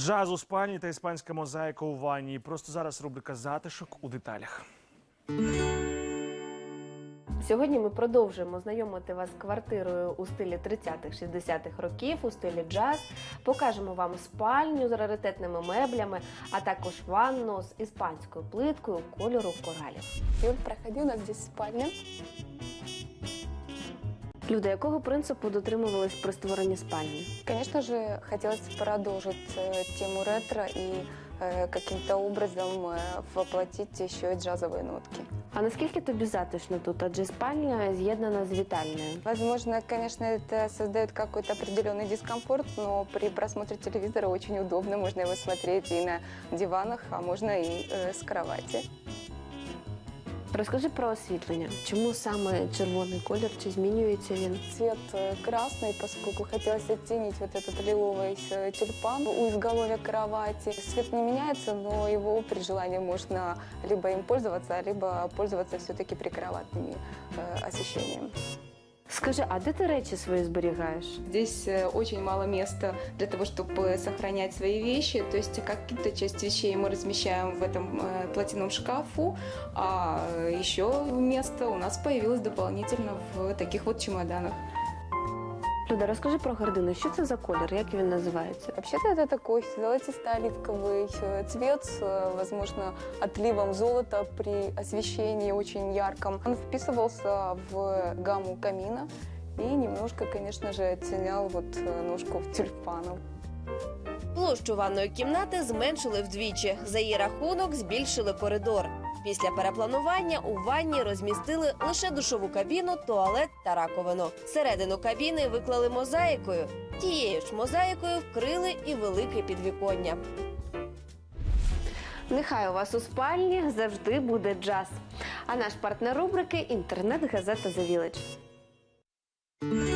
Джаз у спальні та іспанська мозаїка у ванні. Просто зараз рубрика «Затишок у деталях». Сьогодні ми продовжуємо знайомити вас з квартирою у стилі 30-х-60-х років, у стилі джаз. Покажемо вам спальню з раритетними меблями, а також ванну з іспанською плиткою кольору коралів. Юль, проходи, у нас здесь спальня. Люди, якого принципу дотримувались при створенні спальні? Конечно же, хотелось продолжить тему ретро и каким-то образом воплотить еще и джазовые нотки. А наскільки тобі затишно тут? Адже спальня з'єднана з вітальною. Возможно, конечно, это создает какой-то определенный дискомфорт, но при просмотре телевизора очень удобно. Можно его смотреть и на диванах, а можно и с кровати. Розкажи про освітлення. Чому саме червоний колір? Чи змінюється він? Цвет красный, поскольку хотелось оттенить вот этот лиловый тюльпан у изголовья кровати. Свет не меняется, но его при желании можно либо им пользоваться, либо пользоваться все-таки прикроватными освещением. Скажи, а де ти речі свої зберігаєш? Здесь очень мало места для того, чтобы сохранять свои вещи. То есть какие-то часть вещей мы размещаем в этом платяном шкафу, а еще место у нас появилось дополнительно в таких вот чемоданах. Люда, розкажи про гардину. Що це за колір? Як він називається? Вообще-то это такой золотисто-оливковый цвет с, возможно, отливом золота при освещении очень ярком. Он вписывался в гамму камина и немножко, конечно же, оттенял вот ножку тюльпанов. Площу ванної кімнати зменшили вдвічі. За її рахунок збільшили коридор. Після перепланування у ванні розмістили лише душову кабіну, туалет та раковину. Середину кабіни виклали мозаїкою. Тією ж мозаїкою вкрили і велике підвіконня. Нехай у вас у спальні завжди буде джаз. А наш партнер рубрики – інтернет-газета «The Village».